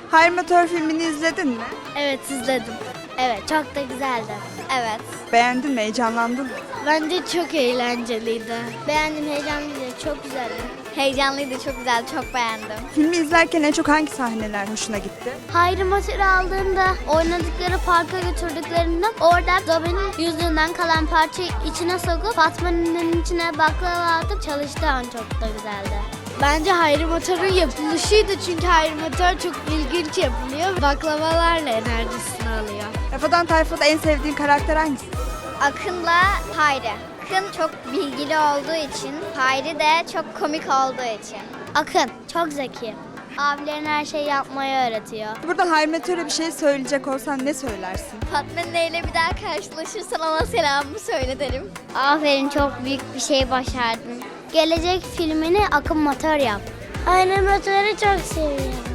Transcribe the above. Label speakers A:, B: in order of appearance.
A: Hayri Motor filmini izledin mi?
B: Evet izledim. Evet çok da güzeldi. Evet.
A: Beğendin mi? Heyecanlandın mı?
B: Bence çok eğlenceliydi. Beğendim, heyecanlıydı, çok güzeldi. Heyecanlıydı, çok güzeldi, çok beğendim.
A: Filmi izlerken en çok hangi sahneler hoşuna gitti?
B: Hayri motoru aldığında, oynadıkları parka götürdüklerinde orada Dobby'nin yüzüğünden kalan parçayı içine sokup Fatma'nın içine baklava atıp çalıştığı an çok da güzeldi. Bence Hayri motorun yapılışıydı çünkü Hayri motor çok ilginç yapılıyor. Baklavalarla enerjisini alıyor.
A: Rafadan Tayfa'da en sevdiğin karakter hangisi?
C: Akın'la Hayri. Akın çok bilgili olduğu için, Hayri de çok komik olduğu için.
B: Akın çok zeki. Abilerin her şeyi yapmayı öğretiyor.
A: Burada Hayri Motor'a bir şey söyleyecek olsan ne söylersin?
C: Fatma ile bir daha karşılaşırsan ona selamımı söyle derim.
B: Aferin, çok büyük bir şey başardın. Gelecek filmini Akın Motor yap. Hayri Motor'u çok seviyorum.